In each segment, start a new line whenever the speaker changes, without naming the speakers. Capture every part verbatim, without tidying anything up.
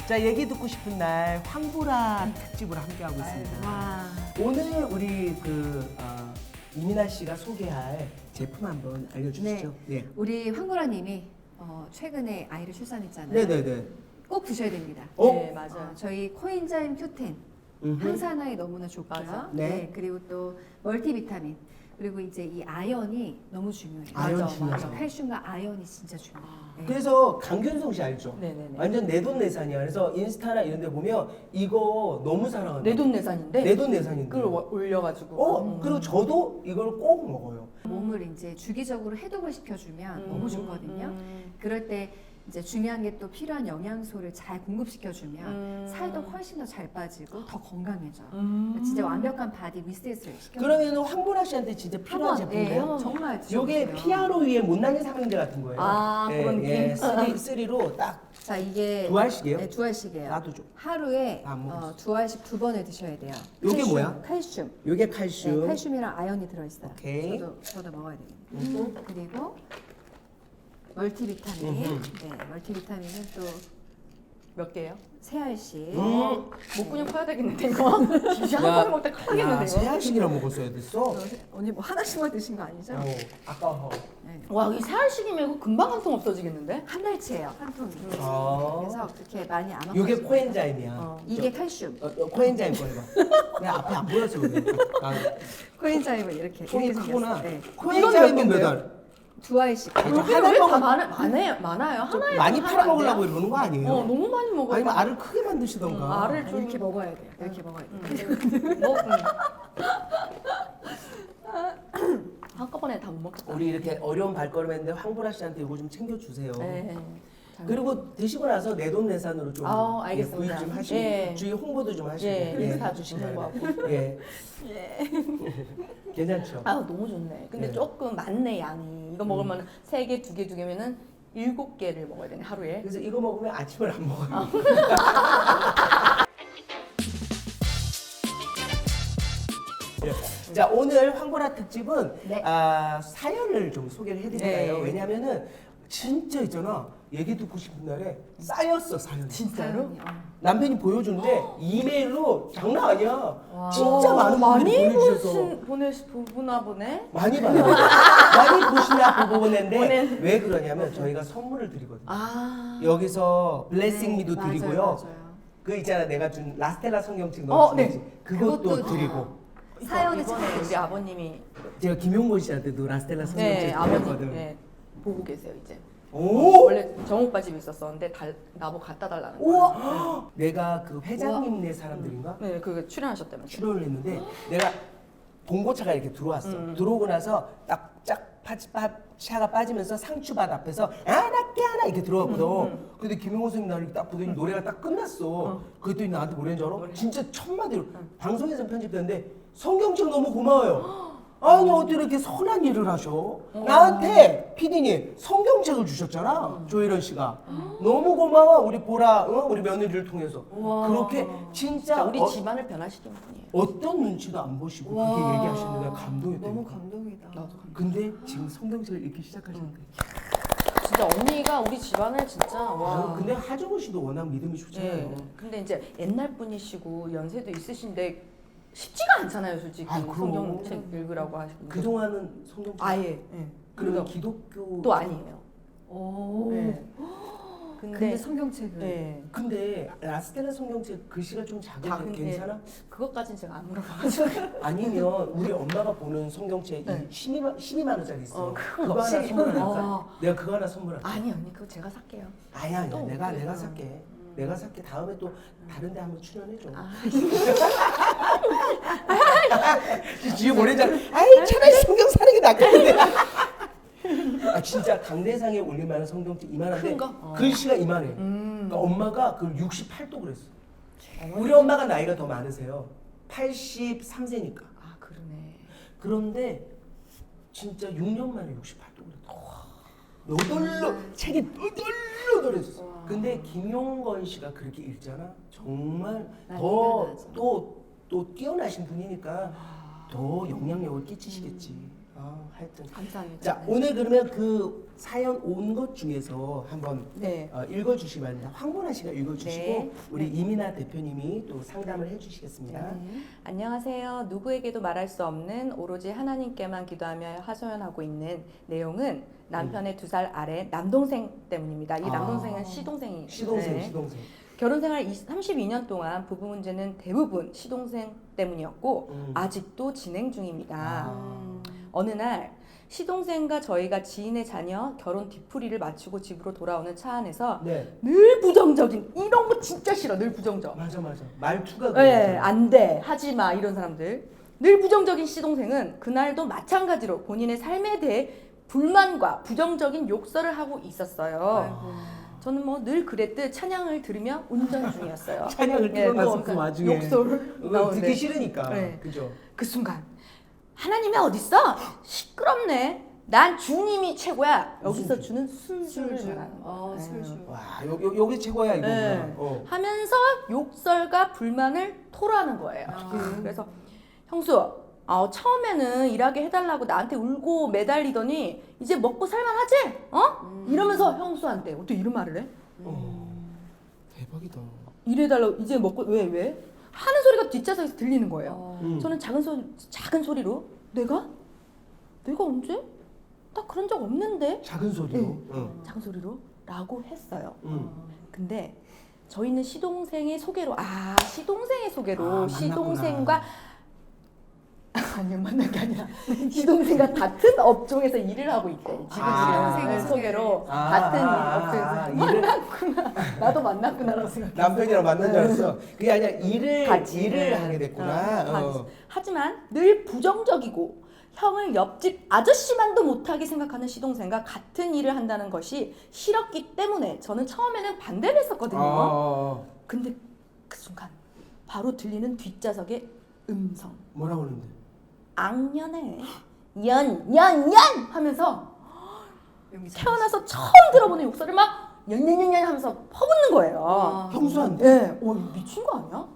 자, 얘기 듣고 싶은 날 황보라 특집으로 함께하고 있습니다.
와.
오늘 우리 그 어, 이민아 씨가 소개할 제품 한번 알려주시죠. 네.
우리 황보라님이 어, 최근에 아이를 출산했잖아요.
네네네.
꼭 드셔야 됩니다.
어?
네, 맞아요.
어, 저희 코엔자임 큐텐
음흠.
항산화에 너무나 좋고요.
맞아.
네.
그리고 또 멀티비타민. 그리고 이제 이 아연이 너무 중요해요.
아연
맞아,
중요하죠.
맞아. 칼슘과 아연이 진짜 중요해요. 네.
그래서 강균성 씨 알죠?
네네네.
완전 내돈내산이야. 그래서 인스타나 이런 데 보면 이거 너무 사랑한다.
내돈내산인데
내돈내산인데.
그걸 워- 올려가지고.
어,
음.
그리고 저도 이걸 꼭 먹어요.
몸을 이제 주기적으로 해독을 시켜주면
음,
너무 좋거든요.
음,
그럴 때 이제 중요한 게 또 필요한 영양소를 잘 공급시켜주면
음.
살도 훨씬 더 잘 빠지고 더 건강해져요.
음.
진짜 완벽한 바디 리셋을 시켜.
그러면 황보라 씨한테 진짜 필요한
네,
제품이에요?
한번 정말 드셔보세요.
요게 피아로 위에 못난이 삼형제 같은 거예요.
아,
예,
그런
예,
느낌?
쓰리, 쓰리로 딱
자 이게
두 알씩이에요?
네, 두 알씩이에요.
나도 좀.
하루에
나안 먹었어.
어, 두 알씩 두 번을 드셔야 돼요.
요게
칼슘,
뭐야?
칼슘.
요게
네,
칼슘.
칼슘이랑 아연이 들어있어요.
오케이.
저도 저도 먹어야 돼요.
음.
그리고 멀티비타민.
음흠.
네, 멀티비타민은 또
몇 개예요?
세 알씩.
음.
목 근육 커야 되겠는데 이거. 진짜 한 번에 먹다
야,
커야겠는데 이거.
세알씩이나 먹었어야 됐어.
어, 언니 뭐 하나씩만 드신 거 아니죠?
어, 아까워.
네.
와, 이 세 알씩이면 이거 금방 한 통 없어지겠는데?
한 달치예요, 한 통이.
아.
그래서 그렇게 많이 안
요게
먹어요.
코엔자임이야.
어.
이게 칼슘.
어, 어, 코엔자임 거 해봐. 내가 앞에 안 보여서 그래. 아,
코엔자임은 이렇게
통이
이렇게
크구나.
생겼어요. 네.
코엔자임은 몇 알?
두 알씩.
그러니까
여기
하나
왜
먹-
다 많아, 많아요? 많아요? 하나에
많이
하나
팔아
안
먹으려고
돼요?
이러는 거 아니에요?
어, 너무 많이 먹어요.
아니면 알을 크게 만드시던가.
음, 알을 좀
이렇게 먹어야 돼요. 이렇게 먹어야 돼요.
음. 뭐, 음. 한꺼번에 다 못 먹겠다.
우리 이렇게 어려운 발걸음했는데 황보라 씨한테 이거 좀 챙겨주세요.
네. 잘
그리고 드시고 나서 내돈내산으로 좀
아우,
예,
알겠습니다.
구입 좀 하시고
예.
주위 홍보도 좀 하시고
예, 인스타 주시는 거 하고.
예. 괜찮죠?
아, 너무 좋네. 근데
네.
조금 많네 양이. 이거 먹으면 세 개, 두 개, 두 개면은 일곱 개를 먹어야 되네 하루에.
그래서 이거 먹으면 아침을 안 먹어요. 예. 자, 오늘 황보라 특집은
네.
아, 사연을 좀 소개를 해드릴까요?
네.
왜냐면은 진짜 있잖아. 얘기 듣고 싶은 날에 쌓였어, 사연이.
진짜로?
사연이, 어.
남편이 보여준데 이메일로 장난 아니야.
와.
진짜 많은
많이
분들이 보내주셔서.
보신 보내시 보나 보네.
많이 봐요. 많이 보시나 보고 보는데
보낸-
왜 그러냐면 저희가 선물을 드리거든요.
아.
여기서 블레싱 미도
네, 맞아요,
드리고요.
맞아요.
그 있잖아 내가 준 라스텔라 성경책
어,
넣어주지.
네.
그것도
그것도
드리고.
사연을
이번에
찾아주세요.
우리 아버님이
제가 김용곤 씨한테도 라스텔라
네
성경책
아버님
드렸거든.
네, 보고 계세요 이제.
오!
원래 정오빠 집에 있었었는데 달, 나보고 갖다 달라는 거예요.
우와! 내가 그 회장님네 사람들인가?
네, 그 출연하셨다면서.
출연을 했는데 내가 봉고차가 이렇게 들어왔어.
음.
들어오고 나서 딱짝 차가 빠지면서 상추밭 앞에서 아나깨 하나 이렇게 들어왔거든.
음,
근데 김용호 선생님 나를 딱 보더니 노래가 딱 끝났어. 그랬더니 나한테 뭐라는 줄 알아?
뭐래?
진짜 첫 마디로 방송에서 편집됐는데 성경책 너무 고마워요. 아니 어떻게 이렇게 선한 일을 하셔? 나한테 피디님 성경책을 주셨잖아. 조혜련 씨가 너무 고마워 우리 보라 어? 우리 며느리를 통해서
우와.
그렇게 진짜
진짜 우리
어,
집안을 변화시킨 분이에요.
어떤 눈치도 안 보시고 그렇게
와.
얘기하시는데 내가 감동이
너무
돼요.
감동이다.
나도 감동.
근데 지금 성경책을 읽기 시작하셨는데
진짜 언니가 우리 집안을 진짜 와.
근데 하정우 씨도 워낙 믿음이 좋잖아요.
네. 근데 이제 옛날 분이시고 연세도 있으신데 쉽지가 않잖아요, 솔직히.
아, 그럼.
성경책 읽으라고 하시고.
그동안은 성경책
아예. 예.
그러면
그래서
기독교
또 아니에요.
오.
네.
근데,
근데,
성경책을.
네.
근데 라스텔라 성경책 글씨가 좀 작은데
작은데.
괜찮아?
그것까진 제가 안 물어봐가지고.
아니면 우리 엄마가 보는 성경책
네.
이 십이만, 십이만 원짜리 있어.
어,
그거
그거
하나
없이.
선물할까?
어.
내가 그거 하나 선물할게.
아니 언니 그거 제가 살게요.
아니야, 아니야.
또
내가
어떻게
내가
해요?
살게. 내가 살게. 다음에 또 다른 데 한번 출연해줘.
아,
뒤에 보내잖아. 아이 차라리 성경 사는 게 낫겠는데. 아 진짜 강대상에 올릴 만한 성경책 이만한데
큰 거? 어.
글씨가 이만해.
음.
그러니까 엄마가 그걸 육십팔 도 그랬어. 우리 엄마가 나이가 더 많으세요. 팔십삼 세니까.
아 그러네.
그런데 진짜 육 년 만에 육십팔 도 그랬다. 너덜너 책이 너덜너덜했어.
와.
근데 김용건 씨가 그렇게 읽잖아. 정말
나이가
더
나죠.
또 또 뛰어나신 분이니까 더 영향력을 끼치시겠지. 아, 하여튼.
감사합니다.
자, 오늘 그러면 그 사연 온 것 중에서 한번
네.
어, 읽어주시기 바랍니다. 황보라 씨가 읽어주시고
네.
우리 이민아 대표님이 또 상담을 해주시겠습니다.
네. 안녕하세요. 누구에게도 말할 수 없는 오로지 하나님께만 기도하며 하소연하고 있는 내용은 남편의 두 살 아래 남동생 때문입니다. 이
아.
남동생은 시동생이
시동생,
네.
시동생.
결혼 생활 삼십이 년 동안 부부 문제는 대부분 시동생 때문이었고
음.
아직도 진행 중입니다.
아.
어느 날 시동생과 저희가 지인의 자녀 결혼 뒤풀이를 마치고 집으로 돌아오는 차 안에서
네,
늘 부정적인 이런 거 진짜 싫어. 늘 부정적.
맞아, 맞아. 말투가
네,
그거죠.
안 돼. 하지 마. 이런 사람들. 늘 부정적인 시동생은 그날도 마찬가지로 본인의 삶에 대해 불만과 부정적인 욕설을 하고 있었어요. 저는 뭐 늘 그랬듯 찬양을 들으며 운전 중이었어요.
찬양을
네,
틀어놨어,
그래서
그 와중에.
욕설을
그거
나오는데
듣기 싫으니까.
네.
그죠?
그 순간 하나님이 어딨어? 시끄럽네. 난 주님이 최고야. 여기서
무슨
주는 술주를
술주.
말하는 거야.
어,
네.
술주.
와, 요, 요, 요게 최고야, 이거구나.
네.
어.
하면서 욕설과 불만을 토로하는 거예요.
아.
그래서 형수, 어, 처음에는 일하게 해달라고 나한테 울고 매달리더니 이제 먹고 살만하지? 어?
음.
이러면서 형수한테 어떻게 이런 말을 해?
어. 대박이다.
이래달라고 이제 먹고 왜 왜? 하는 소리가 뒷좌석에서 들리는 거예요.
어.
음.
저는 작은 소 작은 소리로 내가 내가 언제? 나 그런 적 없는데
작은 소리로.
네.
응.
작은 소리로 라고 했어요.
응.
근데 저희는 시동생의 소개로 아 시동생의 소개로
아, 만났구나.
시동생과 아니요 만난 게 아니라 시동생과 같은 업종에서 일을 하고 있대 지금
아.
시동생의 소개로
아,
같은
아, 아,
업종에서
일을-
만났구나 나도 만났구나라고 생각했어.
남편이랑 만난 줄 알았어. 그게 아니라 일을
같이
일을
네.
하게 됐구나.
어,
어.
하지만 늘 부정적이고 형을 옆집 아저씨만도 못하게 생각하는 시동생과 같은 일을 한다는 것이 싫었기 때문에 저는 처음에는 반대를 했었거든요.
어.
근데 그 순간 바로 들리는 뒷좌석의 음성.
뭐라고 그러는데?
악년에 연, 연, 연! 하면서
여기
태어나서 처음 들어보는 욕설을 막 연연연연 하면서 퍼붓는 거예요.
아.
형수한테.
네, 어, 미친 거 아니야?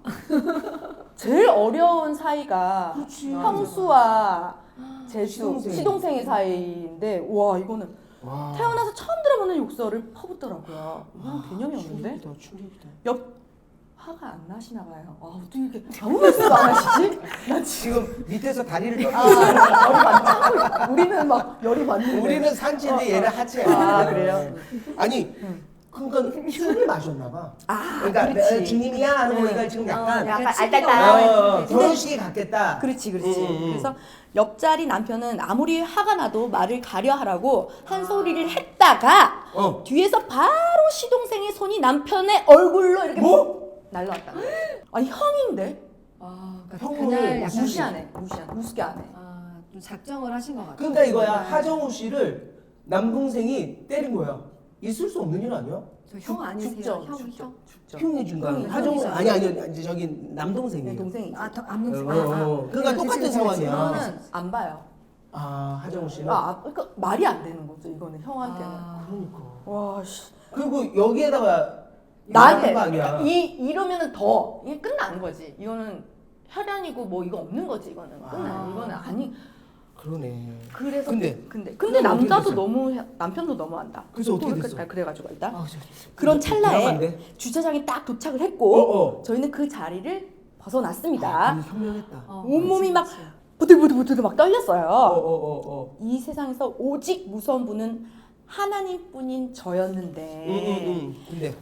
제일 어려운 사이가
그렇지.
형수와 제수,
시동생.
시동생의 사이인데 와 이거는
와.
태어나서 처음 들어보는 욕설을 퍼붓더라고요. 이건 개념이 없는데?
충격이다, 충격이다.
옆 화가 안 나시나 봐요. 아 어떻게 이렇게 아무 말씀도 안 하시지? 나 지금
지금 밑에서 다리를 떨고
아, 열이 많죠? 우리는 막 열이 많은데.
우리는 산지인데 얘는 하체야.
아, 그래요?
아니, 그러니까 술을 마셨나 봐.
아,
그러니까
그렇지.
내 주님이야 하는
응.
거니까 지금 약간
약간
그렇지.
알딸딸.
어, 결혼식에 갔겠다.
그렇지, 그렇지.
음, 음.
그래서 옆자리 남편은 아무리 화가 나도 말을 가려 하라고 한 소리를 했다가
어.
뒤에서 바로 시동생의 손이 남편의 얼굴로 이렇게
뭐?
날라왔다. 아니 형인데
아, 그러니까
형을
그날 약간
무시하네, 무시하네, 우습게 안 해.
아, 좀 작정을 하신 것 같아요.
그러니까 이거야.
네.
하정우 씨를 남동생이 때린 거야. 있을 수 없는 일 아니야?
저형 아니세요?
죽죠,
형,
죽죠,
형?
죽죠.
형이 준다.
형이,
하정우
형이죠.
아니 아니 이제 저기
네,
남동생이에요.
동생이.
아, 더
어,
안동
어, 어. 그러니까 똑같은 상황이야.
이거는 안 봐요.
아 하정우 씨는.
아, 아, 그러니까 말이 안 되는 거죠. 이거는 형한테는.
아,
그러니까.
와, 씨.
그리고 여기에다가
나한테
말하는 거 아니야.
이 이러면은 더 이게 끝나는 거지. 이거는 혈연이고 뭐 이거 없는 거지. 이거는 끝나.
아.
이거는 아니.
그러네.
그래서
근데?
근데 근데
그럼 어떻게
남자도
됐어요?
너무 해- 남편도 너무한다.
그래서 어떻게
또
됐어?
그래- 그래가지고 일단
아, 저-
그런
저-
찰나에
불안한데?
주차장에 딱 도착을
어,
했고
어.
저희는 그 자리를 벗어났습니다.
아, 그게 현명했다.
어,
온몸이
그렇지,
막
그렇지.
부들부들부들 막 떨렸어요.
어, 어, 어, 어.
이 세상에서 오직 무서운 분은 하나님뿐인 저였는데
응, 응, 응. 근데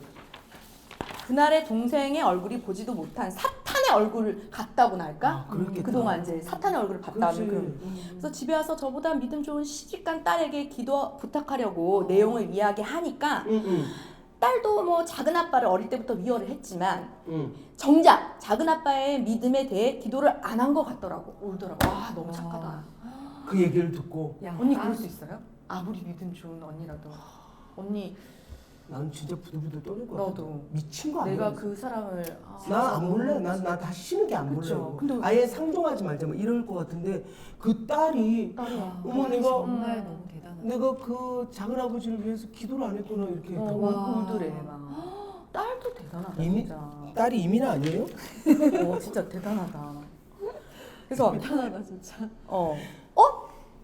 그날의 동생의 얼굴이 보지도 못한 사탄의 얼굴을 같다고나 할까?
아, 그렇겠다.
그동안 이제 사탄의 얼굴을
그렇지.
봤다는 그. 그래서 집에 와서 저보다 믿음 좋은 시집간 딸에게 기도 부탁하려고 내용을 이야기하니까
응, 응,
딸도 뭐 작은 아빠를 어릴 때부터 위로를 했지만
응.
정작 작은 아빠의 믿음에 대해 기도를 안 한 것 같더라고. 울더라고. 와 너무 착하다.
그 얘기를 듣고
야,
언니
아,
그럴 수 있어요? 아무리 믿음 좋은 언니라도 언니
나는 진짜 부들부들 떨릴 것 같아.
너도
미친 거 아니야?
내가 그 사람을 아,
나안 볼래. 나나 다시 쉬는 게 안
그쵸.
볼래.
근데
아예 상종하지 말자 뭐 이럴 것 같은데 그 딸이
딸이야.
어머 내가
정말
음.
너무 대단하다.
내가 그 작은 아버지를 위해서 기도를 안 했구나 이렇게.
어,
와.
울더래 막. 딸도 대단하다
이미
진짜.
딸이 이민아 아니에요?
어 진짜 대단하다. 그래서
대단하다 진짜.
어 어?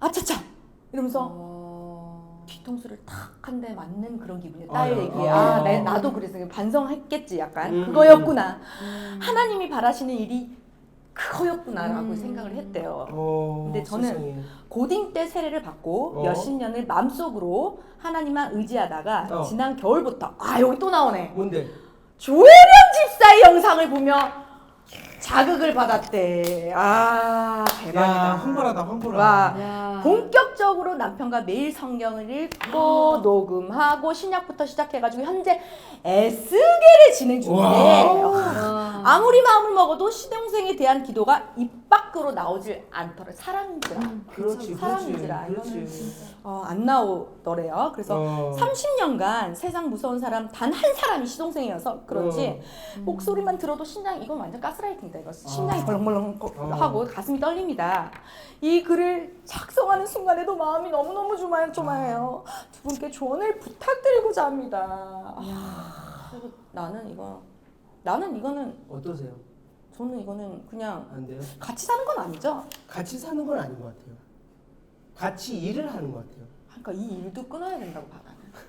아차차 이러면서
어...
뒤통수를 탁 한 대 맞는 그런 기분이에요.
아,
딸 얘기에
아.
아, 내, 나도 그래서 반성했겠지 약간
음.
그거였구나.
음.
하나님이 바라시는 일이 그거였구나라고
음.
생각을 했대요.
어,
근데 저는
세상에.
고딩 때 세례를 받고
어.
몇십 년을 마음속으로 하나님만 의지하다가
어.
지난 겨울부터 아 여기 또 나오네.
뭔데?
조혜련 집사의 영상을 보며 자극을 받았대. 아 대박이다.
야, 황홀하다, 황홀하다.
와.
야.
본격적으로 남편과 매일 성경을 읽고 녹음하고 신약부터 시작해가지고 현재 에스겔을 진행 중인데
와.
아무리 마음을 먹어도 시동생에 대한 기도가 입 밖으로 나오질 않더래. 사람인지라
음,
그렇지, 그렇지,
사람인지라 이거는
그렇지.
어, 안 나오더래요. 그래서
어.
삼십 년간 세상 무서운 사람 단 한 사람이 시동생이어서 그런지 목소리만 들어도 심장 이건 완전 가스라이팅이다. 이거 심장이
어.
벌렁벌렁
어.
하고 가슴이 떨립니다. 이 글을 작성하는 순간에도 마음이 너무너무 조마조마해요. 두 분께 조언을 부탁드리고자 합니다. 아, 그리고 나는 이거 나는 이거는
어떠세요?
저는 이거는 그냥
안 돼요?
같이 사는 건 아니죠.
같이 사는 건 아닌 것 같아요. 같이 일을 하는 것 같아요.
그러니까 이 일도 끊어야 된다고 봐.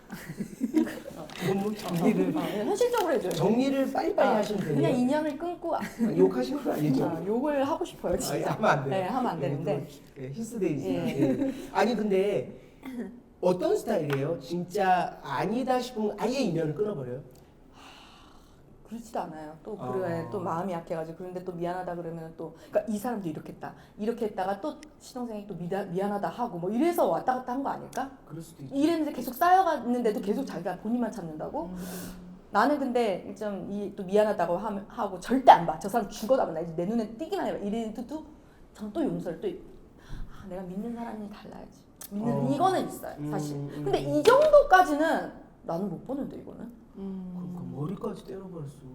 너무 정리를
어, 현실적으로 해줘요.
정리를 빨리빨리
아,
하시면
그냥
돼요.
인연을 끊고
욕하시는 건 아니죠?
아, 욕을 하고 싶어요 진짜.
아니, 하면 안 돼요.
네, 하면 안 되는데.
예, 히스데이지.
예.
예. 아니 근데 어떤 스타일이에요? 진짜 아니다 싶으면 아예 인연을 끊어버려요?
그렇지도 않아요. 또
아.
그래 또 마음이 약해가지고 그런데 또 미안하다 그러면 또 그러니까 이 사람도 이렇게 했다 이렇게 했다가 또 시동생이 또 미다, 미안하다 하고 뭐 이래서 왔다 갔다 한 거 아닐까?
그럴 수도 있죠.
이랬는데 계속 쌓여갔는데도 계속 자기가 본인만 찾는다고? 나는 근데 좀 이 또 미안하다고 하, 하고 절대 안 봐. 저 사람 죽어도 안 봐. 내 눈에 띄기만 해봐. 이래도 전 또 용서를 또 아, 내가 믿는 사람이 달라야지. 믿는
어.
이거는 있어요 사실.
음, 음.
근데 이 정도까지는 나는 못 보는데 이거는.
그러니까 머리까지 때려버렸어.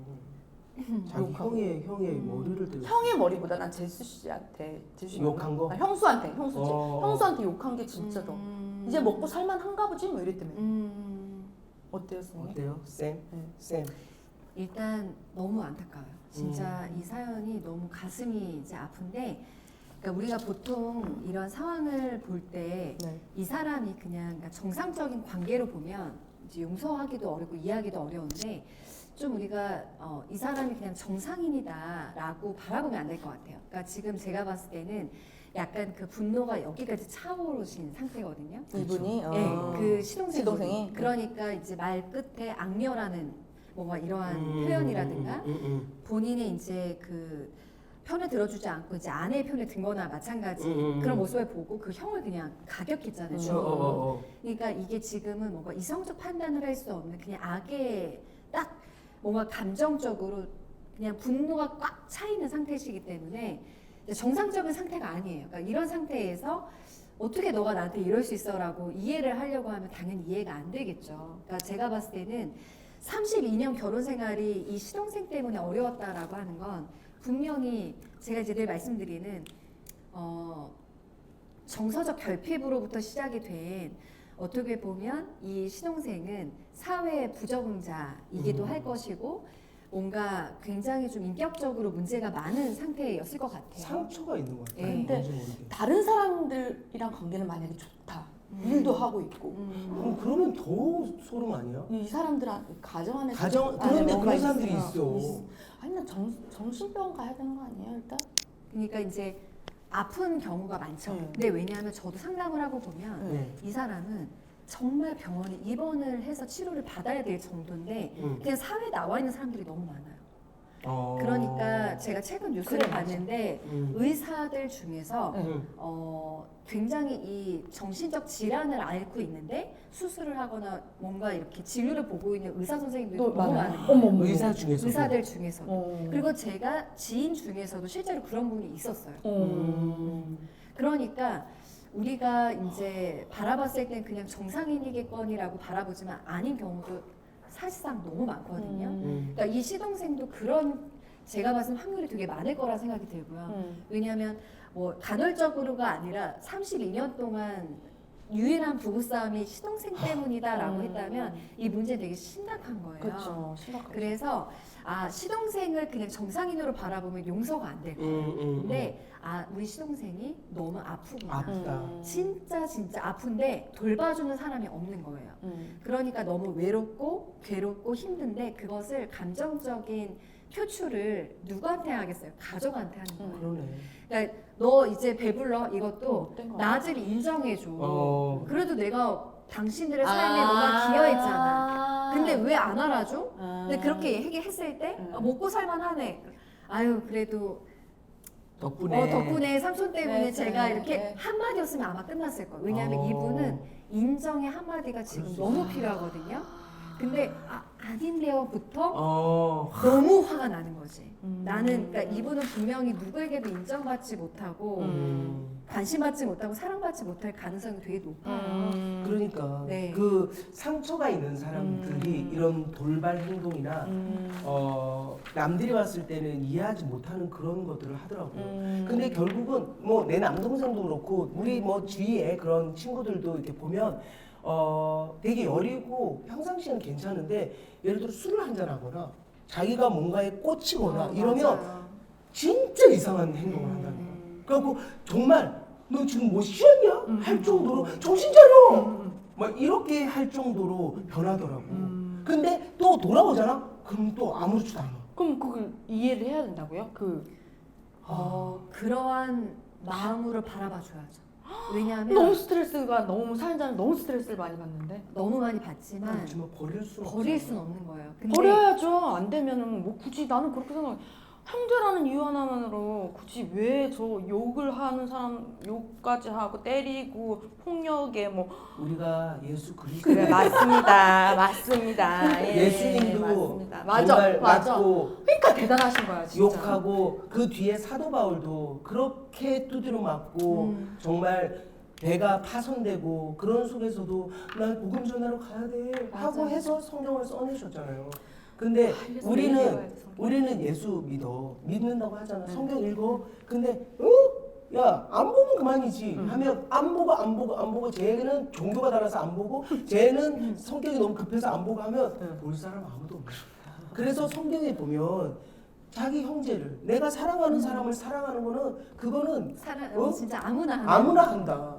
자기
욕하고.
형의 형의 머리를 때려.
형의 머리보다 난 제수 씨한테 제수 씨
욕한 거?
아, 형수한테 형수지.
어.
형수한테 욕한 게 진짜 더
음.
이제 먹고 살만한가 보지 뭐 이랬다며.
음.
어때요 선생님?
어때요, 쌤?
네.
쌤.
일단 너무 안타까워요. 진짜
음.
이 사연이 너무 가슴이 이제 아픈데, 그러니까 우리가 보통 이런 상황을 볼 때 이
네.
사람이 그냥 그러니까 정상적인 관계로 보면 이제 용서하기도 어렵고 이해하기도 어려운데, 좀 우리가 어, 이 사람이 그냥 정상인이다라고 바라보면 안 될 것 같아요. 그러니까 지금 제가 봤을 때는 약간 그 분노가 여기까지 차오르신 상태거든요.
이분이 어.
네, 그 시동생
시동생이?
그러니까 이제 말 끝에 악녀라는 뭔가 이러한
음,
표현이라든가
음, 음, 음.
본인의 이제 그 편을 들어주지 않고 이제 아내의 편에 든거나 마찬가지
음, 음, 음.
그런 모습을 보고 그 형을 그냥 가격했잖아요.
음.
어,
주로.
어, 어.
그러니까 이게 지금은 뭔가 이성적 판단을 할 수 없는 그냥 악의 딱 뭔가 감정적으로 그냥 분노가 꽉 차 있는 상태시기 때문에 이제 정상적인 상태가 아니에요. 그러니까 이런 상태에서 어떻게 너가 나한테 이럴 수 있어라고 이해를 하려고 하면 당연히 이해가 안 되겠죠. 그러니까 제가 봤을 때는 삼십이 년 결혼 생활이 이 시동생 때문에 어려웠다라고 하는 건 분명히 제가 이제 늘 말씀드리는 어, 정서적 결핍으로부터 시작이 된 어떻게 보면 이 시동생은 사회의 부적응자이기도
음.
할 것이고 뭔가 굉장히 좀 인격적으로 문제가 많은 상태였을 것 같아요.
상처가 있는 것 같아요.
예.
뭔지
근데
모르게.
다른 사람들이랑 관계는 만약에 좋다. 일도 하고 있고.
음.
그럼 그러면 더 소름 아니야?
이 사람들한 가정 안에
가정
안에
그런데
뭔가
그런 사람들이
있어.
있어.
아니 나 정, 정신병원 가야 되는 거 아니에요 일단?
그러니까 이제 아픈 경우가 많죠.
음.
근데 왜냐하면 저도 상담을 하고 보면
네.
이 사람은 정말 병원에 입원을 해서 치료를 받아야 될 정도인데
음.
그냥 사회에 나와 있는 사람들이 너무 많아요.
어.
그러니까 제가 최근 뉴스를
그래, 맞아.
봤는데
음.
의사들 중에서
음.
어, 굉장히 이 정신적 질환을 앓고 있는데 수술을 하거나 뭔가 이렇게 진료를 보고 있는 의사 선생님들이
또
너무
많아요.
많은 거예요.
어머, 어머.
의사 중에서
의사들 중에서.
어.
그리고 제가 지인 중에서도 실제로 그런 분이 있었어요.
어.
그러니까 우리가 이제 바라봤을 땐 그냥 정상인이겠거니라고 바라보지만 아닌 경우도 사실상 너무 많거든요.
음.
그러니까 이 시동생도 그런 제가 봤을 때 확률이 되게 많을 거라 생각이 들고요.
음.
왜냐하면 뭐 간헐적으로가 아니라 삼십이 년 동안 유일한 부부싸움이 시동생 때문이다라고
음.
했다면 이 문제 되게 심각한 거예요.
그렇죠. 심각하죠.
그래서 아 시동생을 그냥 정상인으로 바라보면 용서가 안 될 거예요.
음, 음,
근데 아 우리 시동생이 너무 아프구나.
아프다.
음.
진짜 진짜 아픈데 돌봐주는 사람이 없는 거예요.
음.
그러니까 너무 외롭고 괴롭고 힘든데 그것을 감정적인 표출을 누구한테 하겠어요? 가족한테 하는 거예요.
음.
그러네.
그러니까 너 이제 배불러 이것도
어떤 거야?
나를 인정해줘.
어.
그래도 내가 당신들의 삶에
아.
너가 기여했잖아. 근데 왜 안 알아줘?
아.
근데 그렇게 얘기했을 때
음.
아, 먹고 살만하네. 아유 그래도
덕분에.
어, 덕분에 삼촌 때문에
네,
제가
네,
이렇게
네.
한마디였으면 아마 끝났을 거예요. 왜냐하면
어.
이분은 인정의 한마디가 지금
그럴 수
너무 필요하거든요. 근데 아, 아닌데요부터
어.
너무 화가 나는 거지.
음.
나는 그러니까 이분은 분명히 누구에게도 인정받지 못하고
음.
관심받지 못하고 사랑받지 못할 가능성이 되게 높아요.
음.
그러니까
네.
그 상처가 있는 사람들이
음.
이런 돌발 행동이나
음.
어, 남들이 봤을 때는 이해하지 못하는 그런 것들을 하더라고요.
음.
근데 결국은 뭐 내 남동생도 그렇고 우리 뭐 주위에 그런 친구들도 이렇게 보면 어 되게 여리고 평상시에는 괜찮은데 예를 들어 술을 한잔 하거나 자기가 뭔가에 꽂히거나
어,
이러면
맞아요.
진짜 이상한 행동을 한다는 거야.
음.
그래갖고 정말 너 지금 뭐 쉬었냐?
음.
할 정도로 정신 차려!
음.
막 이렇게 할 정도로 변하더라고.
음.
근데 또 돌아오잖아? 그럼 또 아무렇지도 않아.
그럼 그걸 이해를 해야 된다고요? 그
어, 그러한 마음으로 바라봐 줘야죠. 왜냐하면
너무 스트레스가 너무 사는 사람 너무 스트레스를 많이 받는데
너무 많이 받지만
그렇지만 버릴 수
버릴 수는 없는 거예요. 근데
버려야죠. 안 되면은 뭐 굳이 나는 그렇게 생각해. 형제라는 이유 하나만으로 굳이 왜 저 욕을 하는 사람 욕까지 하고 때리고 폭력에 뭐
우리가 예수 그리스도
그래 맞습니다. 맞습니다. 예,
예수님도
맞습니다. 맞아.
정말
맞아.
맞고
그러니까 대단하신 거야 진짜.
욕하고 그 뒤에 사도 바울도 그렇게 두드려 맞고
음.
정말 배가 파손되고 그런 속에서도 난 복음 전하러 가야 돼 하고
맞아.
해서 성경을 써내셨잖아요. 근데
아, 이래서
우리는
읽어야 돼, 성경.
우리는 예수 믿어 믿는다고 하잖아.
네.
성경 읽어. 근데 어? 야 안 보면 그만이지
음.
하면 안 보고 안 보고 안 보고 쟤는 종교가 달라서 안 보고 쟤는 성격이 너무 급해서 안 보고 하면
음.
볼 사람 아무도 없어. 그래서 성경에 보면 자기 형제를 내가 사랑하는 사람을 사랑하는 거는 그거는
사랑
어?
진짜 아무나 하는
아무나 한다.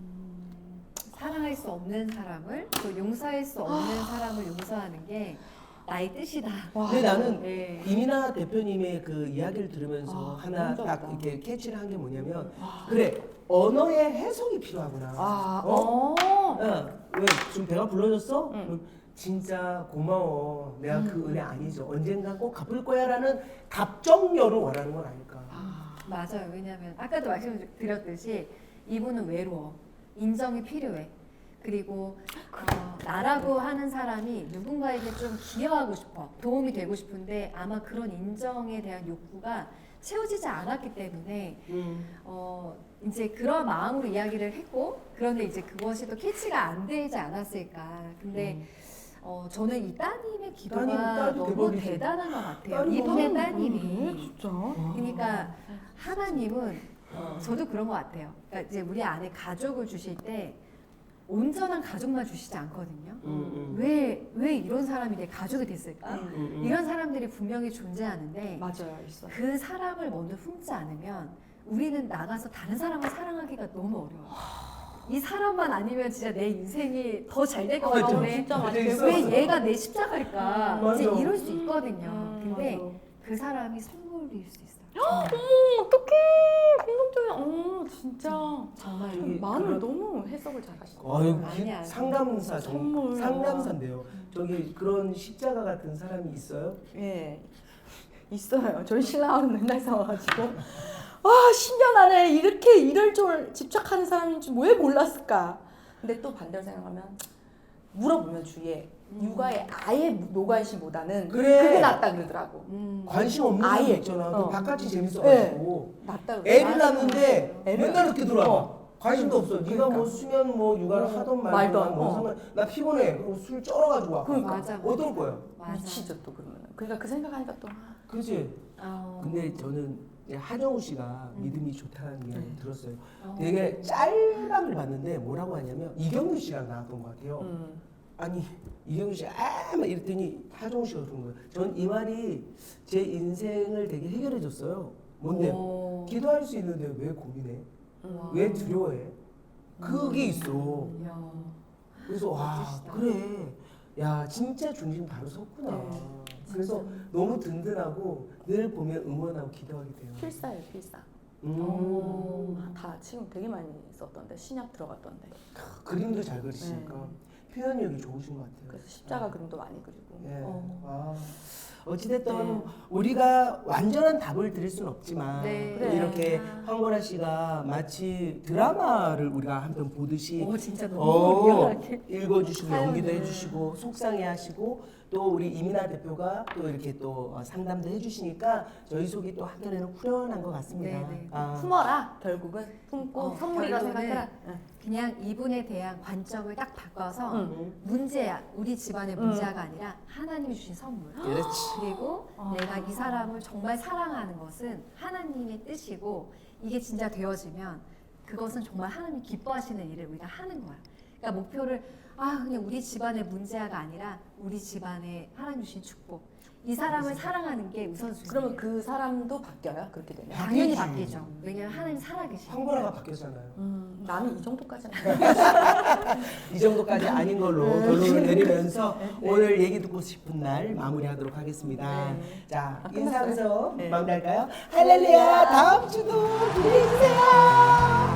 사랑할 수 없는 사람을 또 용서할 수 없는 사람을 용서하는 게 나의 뜻이다.
와.
근데 나는
네.
이민아 대표님의 그 이야기를 들으면서
아,
하나
너무
딱
좋았다.
이렇게 캐치를 한 게 뭐냐면
와.
그래 언어의 해석이 필요하구나.
아,
어?
어.
야, 왜 지금 배가 불러졌어?
응.
그럼 진짜 고마워. 내가 그 은혜 아니죠. 언젠간 꼭 갚을 거야라는 답정료를 원하는 건 아닐까.
맞아요. 왜냐하면 아까도 말씀드렸듯이 이분은 외로워. 인정이 필요해. 그리고 어, 나라고 하는 사람이 누군가에게 좀 기여하고 싶어. 도움이 되고 싶은데 아마 그런 인정에 대한 욕구가 채워지지 않았기 때문에
음.
어, 이제 그런 마음으로 이야기를 했고 그런데 이제 그것이 또 캐치가 안 되지 않았을까. 근데 어, 저는 이 따님의 기도가
따님, 딸이
너무
대박이지.
대단한 것 같아요.
딸이
이분의
너무
따님이.
그래, 진짜.
그러니까 하나님은 어, 저도 그런 것 같아요. 그러니까 이제 우리 안에 가족을 주실 때 온전한 가족만 주시지 않거든요.
음, 음.
왜, 왜 이런 사람이 내 가족이 됐을까?
음, 음.
이런 사람들이 분명히 존재하는데
맞아요, 있어.
그 사람을 먼저 품지 않으면 우리는 나가서 다른 사람을 사랑하기가 너무 어려워요. 이 사람만 아니면 진짜 내 인생이 더 잘 될 것
맞아.
같은데
진짜
맞아,
맞아요.
있어.
왜 얘가 내 십자가일까?
음,
이제
맞아.
이럴 수 있거든요.
음,
근데
맞아.
그 사람이 선물일 수 있어요.
음, 어떡해. 감동적이야. 어, 진짜.
정말
저기
마음을
그런-
너무 해석을 잘 하시네.
어유
아니야.
상담사 정,
선물.
상담사인데요. 저기 그런 십자가 같은 사람이 있어요?
예. 있어요. 저희 신랑은 맨날 싸워가지고. 와, 십 년 안에 이렇게 이럴 줄 집착하는 사람인 줄 왜 몰랐을까? 근데 또 반대로 생각하면 물어보면 주위에
음.
육아에 아예 노관심보다는
그래.
그게 낫다 그러더라고.
음.
관심 없는
아예.
사람 있잖아.
어.
그 바깥이 재밌어가지고
낫다 그러더라고.
애를 낳는데
애를
맨날 이렇게 들어와.
어.
관심도 없어. 네가
그러니까.
뭐 수면 뭐 육아를
어.
하던
말던,
말던 뭐
어.
상관. 나 피곤해. 그럼 술 쩔어가지고 와.
그러니까.
맞아.
어떨 거야?
맞아.
미치죠 또 그러면. 그러니까 그 생각하니까 또 아,
그지?
어.
근데 저는 이제 하정우 씨가
음.
믿음이 좋다는 게
네.
들었어요.
어.
되게 짤방을 봤는데 뭐라고 하냐면 이경규 씨랑 나왔던 것 같아요.
음.
아니 이경규 씨 아 막 이랬더니 하정우 씨가 그런 거예요. 전 이 말이 제 인생을 되게 해결해 줬어요. 뭔데?
오.
기도할 수 있는데 왜 고민해?
와.
왜 두려워해? 그게 있어.
이야.
그래서 와
멋지시다.
그래. 야 진짜 중심 바로 섰구나.
네,
그래서 너무 든든하고 늘 보면 응원하고 기도하게 돼요.
필사예요, 필사.
음.
아, 다 지금 되게 많이 썼던데 신약 들어갔던데.
그림도 잘 그리시니까
네.
표현력이 좋으신 것 같아요.
그래서 십자가 그림도 많이 그리고.
예.
어.
아, 어찌됐든
네.
우리가 완전한 답을 드릴 수는 없지만
네.
그래.
이렇게
아.
황보라 씨가 마치 드라마를 우리가 한 편 보듯이
오 진짜 너무
어,
리얼하게.
읽어주시고
사연을.
연기도 해주시고 속상해하시고 또 우리 이민아 대표가 또 이렇게 또 어, 상담도 해주시니까 저희 속이 또 한편에는 후련한 것 같습니다.
네, 네.
아,
품어라 결국은 품고
어,
선물이라
결론은
생각해라.
그냥 이분에 대한 관점을 딱 바꿔서
응.
문제야 우리 집안의 문제가 아니라 하나님이 주신 선물.
그렇지.
그리고
아.
내가 이 사람을 정말 사랑하는 것은 하나님의 뜻이고 이게 진짜 되어지면 그것은 정말 하나님이 기뻐하시는 일을 우리가 하는 거야. 그러니까 목표를 아 그냥 우리 집안의 문제가 아니라 우리 집안의 하나님 주신 축복. 이 사람을 사랑하는 게 우선순위.
그러면 그 사람도 바뀌어요 그렇게 되면.
당연히
바뀌지.
바뀌죠. 왜냐면 하나님 살아계시니까.
황보라가 바뀌었잖아요.
음, 나는 이 정도까지는.
이 정도까지 아닌 걸로 결론을 내리면서 오늘 얘기 듣고 싶은 날 마무리하도록 하겠습니다.
네.
자,
아,
인사하면서
끝났어요? 네.
마무리할까요? 할렐루야! 다음 주도 기대해주세요!